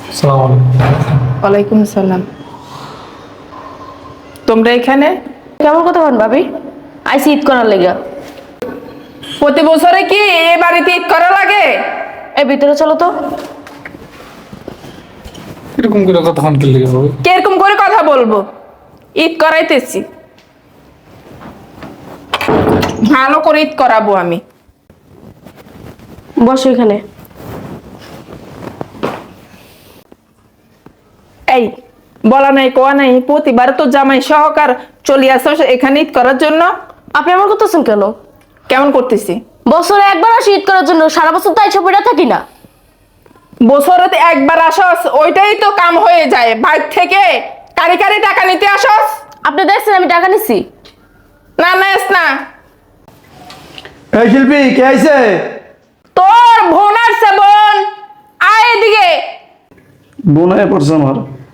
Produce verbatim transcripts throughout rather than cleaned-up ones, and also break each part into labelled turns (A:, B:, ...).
A: আসসালামু আলাইকুম।
B: ওয়ালাইকুম আসসালাম। তোমরা এখানে
C: কেমন কথা বল ভাবি? আইসি ঈদ করার লেগা।
B: প্রতি বছরে কি এ বাড়িতে ঈদ করা লাগে?
C: এই ভিতরে চলো তো।
A: এরকম করে কতক্ষণ কি লেগে হবে?
B: কিরকম করে কথা বলবো? ঈদ করাইতেছি, ভালো করে ঈদ করাবো আমি।
C: বসো এখানে।
B: এই বলা নাই কোয়া নাই, প্রতিবার তো জামাই সহকার চলে আসো এখানে ঈদ করার জন্য।
C: আপনি আমার করতেছেন কেন?
B: কেমন করতেছি?
C: বছরে একবার আসি ঈদ করার জন্য, সারা বছর তো আইসা পড়ে থাকি না।
B: বছরতে একবার আসস, ওইটাই তো কাম হয়ে যায়। বাইর থেকে কারি কারি টাকা নিতে আসস?
C: আপনি দেখছেন আমি টাকা নিছি?
B: না না এস না।
D: এই শিল্পী কে আইছে?
B: তোর বোন আসছে, বোন আয় এদিকে।
D: বোন হয়ে পড়ছে আমার।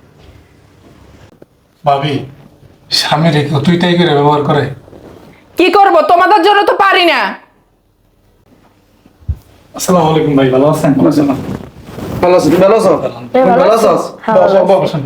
A: ভাবি, স্বামী রেখে তুই তাই করে ব্যবহার করে।
B: কি করব, তোমাদের জন্য তো পারি না।
A: আসসালামু আলাইকুম ভাই, ভালো আছেন?
D: ভালো আছো? ভালো আছো? তুমি ভালো আছো?
C: হ্যাঁ, ভালো
D: ভালো আছো?
C: আছি। হ্যাঁ, ভালো আছি।
A: বসেন।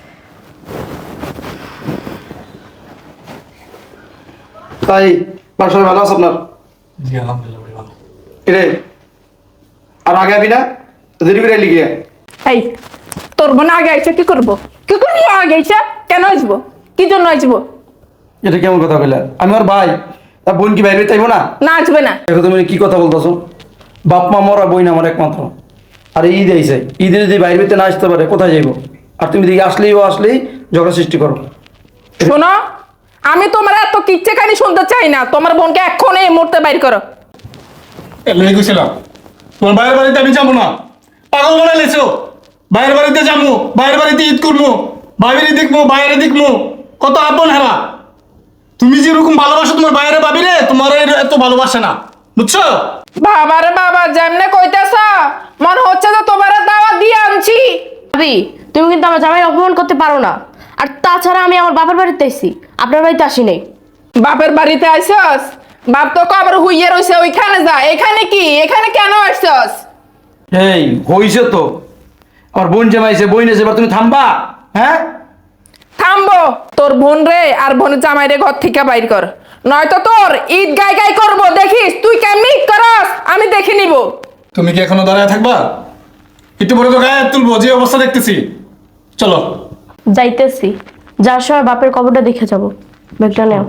D: তাই বাসায় ভালো আছো আপনার?
A: জি আলহামদুলিল্লাহ ভাই, ভালো।
D: কিরে আর আগে আবি না? তো দেরি করে লিখে
B: এই তোর বোন আগে আইছে, কি করব? কি করবি আগে আইছে? কেন আসবো? কি জন্য আসবো?
D: এটা কেমন কথা বললে? আমি আর ভাই তা বোন কি বাইরে তাইবো না?
B: না আসবে না।
D: দেখো তুমি কি কথা বলতেছো? বাপ মা মরা বই না আমার একমাত্র। আর ঈদ আইছে, ঈদে যদি বাইরে না আসতে পারে কোথায় যাইবো? আর তুমি দিকে আসলেই ও আসলেই ঝগড়া সৃষ্টি করো।
B: শোনো, আমি তোমার এত কিচ্ছা কানি শুনতে চাই না। তোমার বোনকে এখন এই মুহূর্তে বাইর করো।
A: এলে গেছিলাম তোমার বাইরের বাড়িতে, আমি যাবো না। পাগল মনে লেছো? বাইরের বাড়িতে যাবো, বাইরের বাড়িতে ঈদ করবো, বাইরে দেখবো, বাইরে দেখবো, কত আপন হারা। তুমি যেরকম ভালোবাসো তোমার বাইরে ভাবি রে, তোমার এর- এত ভালোবাসে না, বুঝছো?
B: বাবারে বাবা, যেমনে কইতেছ মনে হচ্ছে যে তোমার দাওয়াত দিয়ে আনছি।
C: ভাবি, তুমি কিন্তু আমার জামাই অপমান করতে পারো না। আর তাছাড়া আমি আমার বাবার বাড়িতে আইছি, আপনার বাড়িতে আসি নাই।
B: বাপের বাড়িতে আইসস? বাপ তো কবর হুইয়ে রইছে, ওইখানে যা। এখানে কি? এখানে কেন আসছস?
D: এই হইছে তো, আমার বোন জামাইছে, বই নেছে, এবার তুমি থামবা? হ্যাঁ
B: থামবো। তোর বোন রে আর বোনের জামাই রে ঘর থেকে বাইর কর, নয়তো তোর ঈদ গাই গাই করবো। দেখিস তুই কেমনি ঈদ করস, আমি দেখে নিব।
A: তুমি কি এখনো দাঁড়ায় থাকবা? একটু পরে তো গায়ে হাত তুলবো, যে অবস্থা দেখতেছি। চলো।
C: যাইতেছি, যার সময় বাপের কবরটা দেখে যাব। ব্যাগটা নেও।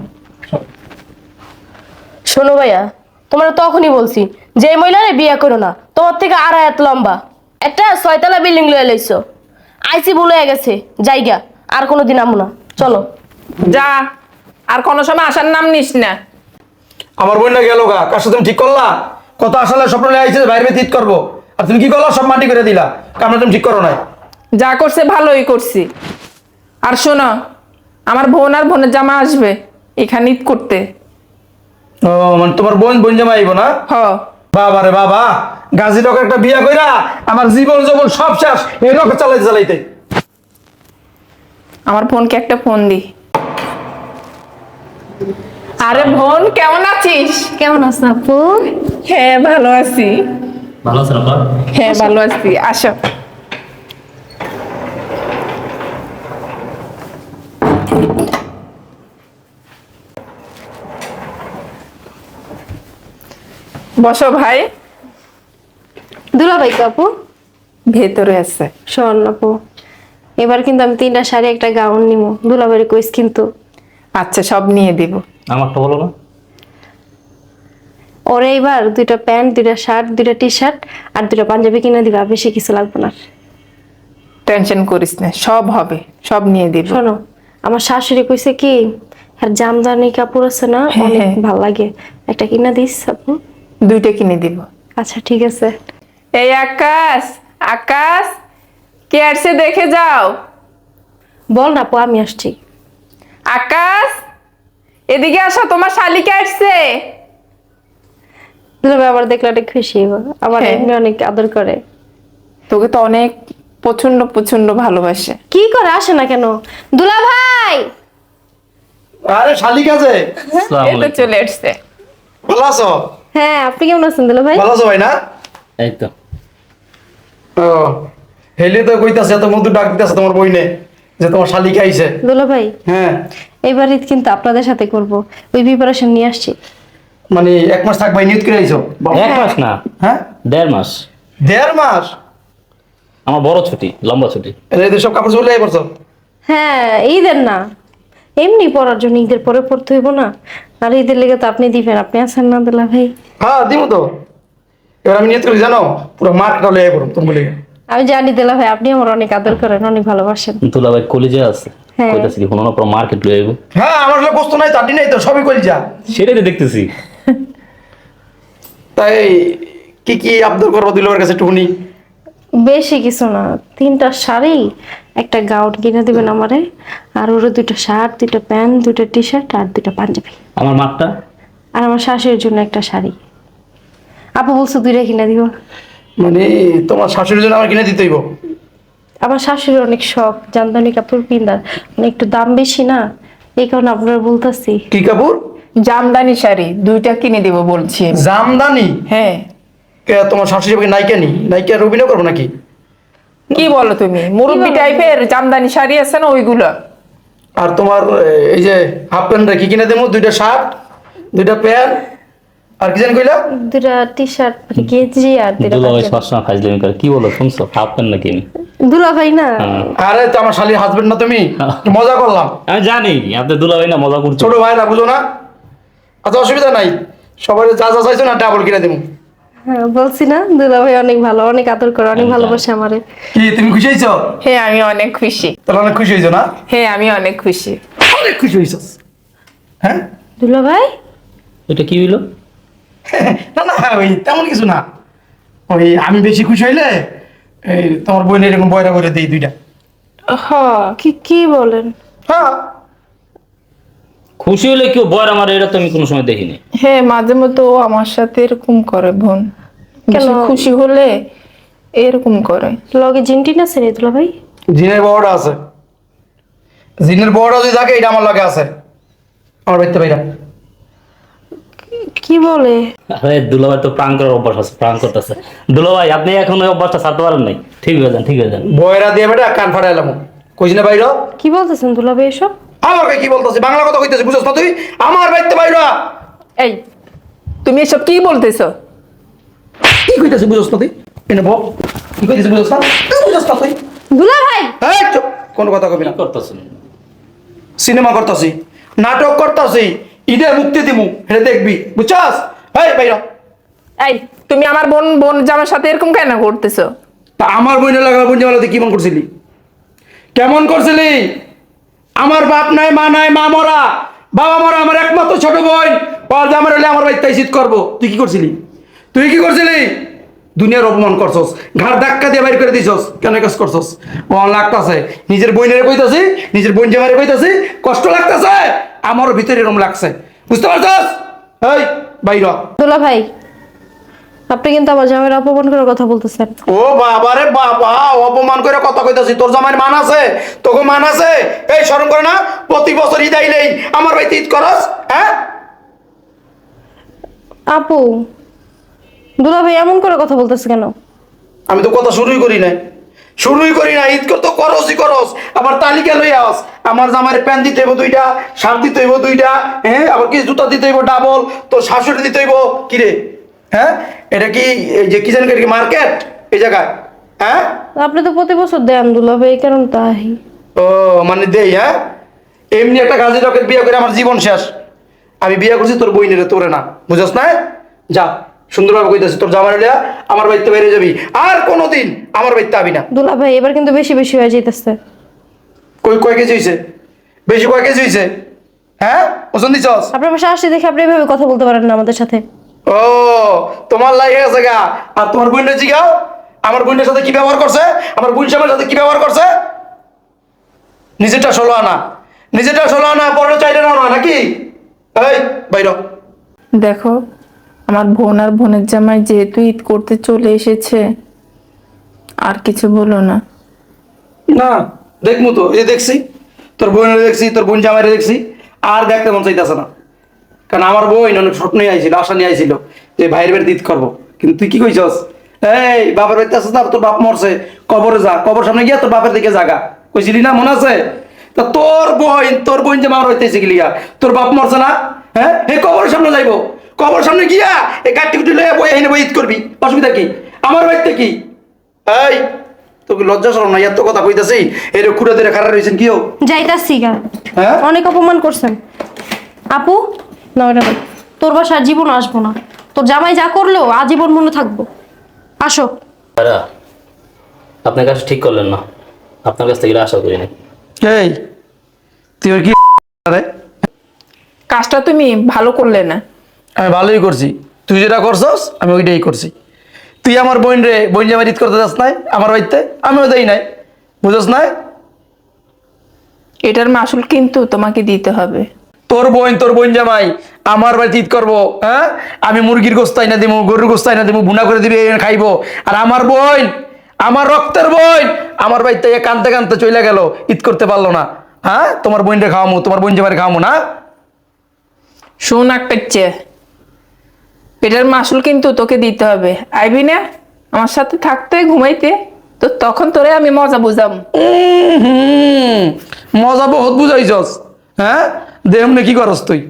C: শোনো ভাইয়া, তোমার তখনই বলছি যে এই মহিলারে বিয়ে করো না। তোমার থেকে আড়াই হাত লম্বা একটা ছয়তলা বিল্ডিং লয়ে লাইছো। আইসি ভুল হয়ে গেছে, জায়গা আর কোনোদিন আমু না। চলো।
B: যা, আর কোনো সময় আসার নাম নিস না।
D: আমার বোন না গেল গা, কার সাথে তুমি ঠিক করলা? কত আসলে স্বপ্ন আইছে বাইরে ঈদ করবো, আর তুমি কি করলা? সব মাটি করে দিলা। কামনা তুমি ঠিক করো নাই।
B: যা করছে ভালোই করছি। আর শোনো, আমার বোন আর বোনের জামা আসবে এখানে ঈদ করতে।
D: ও মানে তোমার বোন বোন জামাই আইবো না?
B: হ।
D: বাবা রে বাবা, গাজী লোক একটা বিয়া কইরা আমার জীবন জীবন সব শেষ এই রকে চালাইতে চালাইতে।
B: আমার বোনকে একটা ফোন দি। আরে বোন, কেমন আছিস?
C: কেমন আছো আপু?
B: হ্যাঁ ভালো আছি।
E: ভালো আছেন আপা?
B: হ্যাঁ ভালো আছি, আসো। বসো ভাই।
F: দুলাভাই তো আপু?
B: ভেতরে আছে।
F: শোন আপু, এবার কিন্তু আমি তিনটা শাড়ি একটা গাউন নিব, দুলাভাইয়ের কইস কিন্তু।
B: আচ্ছা, সব নিয়ে দিব।
E: আমারটা বলো না।
F: ওরে এবার দুইটা প্যান্ট, দুইটা শার্ট, দুইটা টি শার্ট আর দুইটা পাঞ্জাবি কিনে দিবা, বেশি কিছু লাগবে না।
B: টেনশন করিস না, সব হবে, সব নিয়ে দিব।
F: শোনো, আমার শাশুড়ি কইছে কি, আর জামদানি কাপড় আছে না,
B: হ্যাঁ,
F: অনেক
B: হ্যাঁ।
F: ভাল লাগে, একটা কিনা দিস আপু।
B: দুইটা কিনে দিব।
F: আচ্ছা ঠিক আছে।
B: এই আকাশ, আকাশ কে আসছে দেখে যাও।
F: বল না আপু, আমি আসছি।
B: আকাশ এদিকে আসো, তোমার শালিকা আসছে।
F: দুলাভাই আবার দেখলে অনেক খুশি হইব, আমার
B: হ্যাঁ।
F: এমনি অনেক আদর করে।
B: তোকে তো অনেক প্রচন্ড প্রচন্ড ভালোবাসে।
F: কি করে আসে না কেন দুলাভাই?
D: আরে শালিক আছে,
E: আসসালামু
B: এটা
E: আলাইকুম।
B: চলে আসছে।
D: ভালো আছো?
F: হ্যাঁ, আপনি কেমন আছেন দুলাভাই?
D: ভালো আছো ভাই না?
E: এই তো।
D: ও হেলে তো কইতাছে এত মধু ডাক দিতেছে তোমার বইনে যে তোমার শালি খাইছে।
F: দুলা ভাই
D: হ্যাঁ
F: এইবার ঈদ কিন্তু আপনাদের সাথে করব, ওই প্রিপারেশন নিয়ে আসছি।
D: মানে এক মাস থাকবাই নিয়ত করে আইছো?
E: এক মাস না,
D: হ্যাঁ
E: দেড় মাস।
D: দেড় মাস?
E: আমার বড় ছুটি, লম্বা ছুটি।
D: এদের সব কাপড় চলে পড়ছো?
F: হ্যাঁ ঈদের না, এমনি পড়ার জন্য, ঈদের পরে পড়তে হইব না। আর ঈদের লেগে তো আপনি দিবেন, আপনি আছেন না দুলা ভাই?
D: হ্যাঁ দিব তো। এবার আমি নিয়ত করি জানো, পুরো মাঠটা লয়ে পড়ো তুমি বলে।
F: আমি জানি দুলা ভাই আপনি আমার অনেক আদর করেন, অনেক ভালোবাসেন।
E: তুলা ভাই কলেজে আছে,
F: হ্যাঁ।
E: কইতাছি কি কোনো না পুরো মার্কেট লয়ে যাবো।
D: হ্যাঁ আমার হলে বস্তু নাই, চাটনি নাই তো, সবই করি যা।
E: সেটাই তো দেখতেছি।
D: তাই কি কি আবদার করবো দিলবার কাছে টুকুনি?
F: বেশি কিছু না, তিনটা শাড়ি, একটা গাউন কিনে দিবেন আমারে, আর ওর দুইটা শার্ট, দুইটা প্যান্ট, দুইটা টি শার্ট আর দুইটা পাঞ্জাবি।
E: আমার মাঠটা
F: আর আমার শাশুড়ির জন্য একটা শাড়ি। আপু বলছো দুইটা কিনে দিব।
D: মানে তোমার শাশুড়ির জন্য আমার কিনে দিতে হইব?
F: আমার শাশুড়ির অনেক শখ জামদানি কাপড় কিনার, মানে একটু দাম বেশি না, এই কারণে আপনারা বলতেছি।
D: কি কাপড়?
B: জামদানি শাড়ি দুইটা কিনে দেবো বলছি আমি।
D: জামদানি?
B: হ্যাঁ।
D: কে তোমার শাশুড়ি আমাকে নায়িকা নি? নায়িকা আর অভিনয় করবো নাকি?
B: কি বলো তুমি, মুরব্বি টাইপের জামদানি শাড়ি আছে না ওইগুলো।
D: আর তোমার এই যে হাফ প্যান্ট কি কিনে দেবো? দুইটা শার্ট, দুইটা প্যান্ট, আর কি জানি কইলা?
F: দুইটা টি শার্ট মানে গেঞ্জি আর দুইটা
E: দুলা ভাই
F: পাঞ্জাবি।
E: সবসময় ফাজলামি করে। কি বলো শুনছো? হাফ প্যান্ট নাকি আমি?
F: দুলা ভাই না,
E: হ্যাঁ।
D: আরে তো আমার শালির হাজবেন্ড না তুমি? একটু মজা করলাম।
E: আমি জানি আপনি দুলা ভাই না, মজা করছো।
D: ছোট ভাইরা বুঝো না? আচ্ছা অসুবিধা নাই, সবাই যা যা চাইছো না ডাবল কিনে দেবো।
F: হ্যাঁ বলছি না দুলা ভাই অনেক ভালো, অনেক আদর করে, অনেক ভালোবাসে আমারে।
D: কি তুমি খুশি হয়েছো?
B: হ্যাঁ আমি অনেক খুশি।
D: তাহলে অনেক খুশি হয়েছো না?
B: হ্যাঁ আমি অনেক খুশি।
D: অনেক খুশি হয়েছ? হ্যাঁ
F: দুলা ভাই
E: এটা কি হইলো?
D: না না ওই তেমন কিছু না, ওই আমি বেশি খুশি হইলে এই তোমার বোন এরকম বয়রা করে দিই দুইটা।
B: হ্যাঁ।
F: কি কি বলেন?
D: হ্যাঁ
E: খুশি হলে কেউ বয় আমার, এটা তো আমি কোনো সময় দেখিনি।
B: হ্যাঁ মাঝে মধ্যে ও আমার সাথে এরকম করে বোন,
F: কেন?
B: বেশি খুশি হলে এরকম করে।
F: লগে জিনটিন আছে রে দুলা ভাই?
D: জিনের বড়টা আছে, জিনের বড়টা যদি থাকে এটা আমার লাগে আছে, আমার বাড়িতে বাইরা।
F: কি বলে?
E: আরে দুলা ভাই তো প্রাণ করার অভ্যাস আছে, প্রাণ করতেছে। দুলা ভাই আপনি এখন ওই অভ্যাসটা ছাড়তে পারেন নাই। ঠিক হয়ে যান, ঠিক হয়ে যান।
D: বয়রা দিয়ে বেটা কান ফাটাই এলাম, কইছি না বাইরা?
F: কি বলতেছেন দুলা ভাই এসব?
D: আমাকে কি বলতেছি? বাংলা কথা কইতেছি, বুঝছ না তুই? আমার বাড়িতে বাইরা
B: এই তুমি এসব কি বলতেছো?
D: কি কইতেছি বুঝছ না তুই? এনে বল কি কইতেছি বুঝছ না? তুই বুঝছ না তুই?
F: দুলা ভাই
D: এই চুপ, কোনো কথা কবি না।
E: কি করতেছেন?
D: সিনেমা করতাছি, নাটক করতাছি, ঈদে মুক্তি দিমু, এটা দেখবি, বুঝছস? এই বাইরা।
B: এই তুমি আমার বোন বোন জামার সাথে এরকম কেন করতেছো?
D: তা আমার বোনের লাগা বোন জামালাতে কেমন করছিলি? কেমন করছিলি? আমার বাপ নাই, মা নাই, মা মরা, বাবা মরা, আমার একমাত্র ছোট বোন, ওর জামার হলে আমার বাড়িতে শীত করবো। তুই কি করছিলি? তুই কি করছিলি? দুনিয়ার অপমান করছস, ঘাড় ধাক্কা দিয়ে বাইর করে দিছস। কেন কাজ করছস? ও লাগতাছে, নিজের বোনের কইতাছি, নিজের বোন জামারে কইতাছি, কষ্ট লাগতাছে, আমারও ভিতরে এরকম লাগছে, বুঝতে পারছস? এই বাইরা।
F: দুলা ভাই আপনি কিন্তু আমার জামাইয়ের অপমান করার কথা বলতেছেন।
D: ও বাবা রে বাবা, অপমান করে কথা কইতাছি। তোর জামাইয়ের মান আছে? তোকে মান আছে? এই শরম করে না? প্রতি বছর ঈদ আইলেই আমার বাড়িতে ঈদ করস, হ্যাঁ?
F: আপু দুলা ভাই এমন করে কথা বলতেছে কেন?
D: আমি তো কথা শুরুই করি না, শুরুই করি না। ঈদ করতে করসই করস, আবার তালিকা লই আস। আমার জামাইয়ের প্যান্ট দিতে হইব দুইটা, শার্ট দিতে হইব দুইটা, হ্যাঁ, আবার কি জুতা দিতে হইব ডাবল, তোর শাশুড়ি দিতে হইব। কি রে, হ্যাঁ? এটা কি এই যে কি জানি কি মার্কেট এই জায়গায়, হ্যাঁ?
F: আপনি তো প্রতি বছর দেন দুলা ভাই, কেন তাই?
D: ও মানে দেই, হ্যাঁ? এমনি একটা গাজী রকেট বিয়ে করে আমার জীবন শেষ। আমি বিয়ে করছি তোর বইনের, তোরে না, বুঝছ না? যা সুন্দরভাবে কইতেছি, তোর জামাই লিয়া আমার বাড়িতে বাইরে যাবি, আর কোনোদিন আমার বাড়িতে আবি না।
F: দুলা ভাই এবার কিন্তু বেশি বেশি হয়ে যাইতেছে।
D: কই কয় কেজি হয়েছে? বেশি কয় কেজি হয়েছে? হ্যাঁ ওজন দিছস?
F: আপনার পাশে আসলে দেখে আপনি এভাবে কথা বলতে পারেন না আমাদের সাথে।
D: ও তোমার লাগে গেছে গা। আর তোমার বোনের জিগাও, আমার বোনের সাথে কি ব্যবহার করছে, আমার বোন সামের সাথে কি ব্যবহার করছে। নিজেরটা ষোলো আনা, নিজেরটা ষোলো আনা, পরের চাইলে না নাকি? এই বাইর।
B: দেখো আমার বোন আর বোনের জামাই যেহেতু ঈদ করতে চলে এসেছে, আর কিছু বলো না।
D: না দেখমু তো, এই যে দেখছি তোর বোনের দেখছি, তোর বোন জামাইরে দেখছি, আর দেখতে মন চাইতেছে না। কারণ আমার বোন অনেক স্বপ্নই আইছিল, আশা নিয়ে আইছিল যে ভাইয়ের বাড়িতে ঈদ করবো, কিন্তু তুই কি কইছস? এই বাপের বাড়িতে আসছিস না, তোর বাপ মরছে, কবরে যা, কবর সামনে গিয়া তোর বাপের দিকে জাগা কইছিলি না, মনে আছে? তা তোর বোন তোর বোন যে মার হইতেছে গিলিয়া, তোর বাপ মরছে না? হ্যাঁ, এই কবরের সামনে যাইবো, কবর সামনে গিয়া এই গাড়ি কুটি লইয়া বই এনে বই ঈদ করবি, অসুবিধা কি? আমার বাড়িতে কি? এই তোকে লজ্জা শরম না, এত কথা কইতাছি, এই রে খুঁড়ে ধরে খাড়া রইছেন কিও?
F: যাইতাছি গা।
D: হ্যাঁ
F: অনেক অপমান করছেন আপু। না ওটা বল। তোর বাসা আর জীবন আসবো না। তোর জামাই যা করলো আজীবন মনে থাকবো। আসো।
E: ভাইরা, আপনার কাছে ঠিক করলেন না, আপনার কাছ থেকে এটা আশা করি না।
D: এই তুই ওর কি রে?
B: কাজটা তুমি ভালো করলে না।
D: আমি ভালোই করছি, তুই যেটা করছস আমি ওইটাই করছি। তুই আমার বোন রে বোন জামাই ঈদ করতে যাস নাই আমার বাড়িতে, আমিও দেই নাই, বুঝছ না?
B: এটার মাসুল কিন্তু তোমাকে দিতে হবে।
D: তোর বোন তোর বোন জামাই আমার বাড়িতে ঈদ করবো, হ্যাঁ? আমি মুরগির গোস্ত আইনা দিবো, গরুর গোস্ত আইনা দিবো, ভুনা করে দিবি, এনে খাইবো। আর আমার বোন, আমার রক্তের বোন আমার বাড়িতে কানতে কানতে চলে গেল, ঈদ করতে পারলো না। হ্যাঁ, তোমার বোনরে খাওয়ামো, তোমার বোন জামাই খাওয়ামো না?
B: শোন এক পেচ্ছে, এটার মাসুল কিন্তু তোকে দিতে হবে। আইবি না আমার সাথে থাকতে, ঘুমাইতে, তো তখন তোরে আমি মজা বুঝাম।
D: উম হুম, মজা বহুত বুঝাইছস। হ্যাঁ, দেহ কি করস তুই?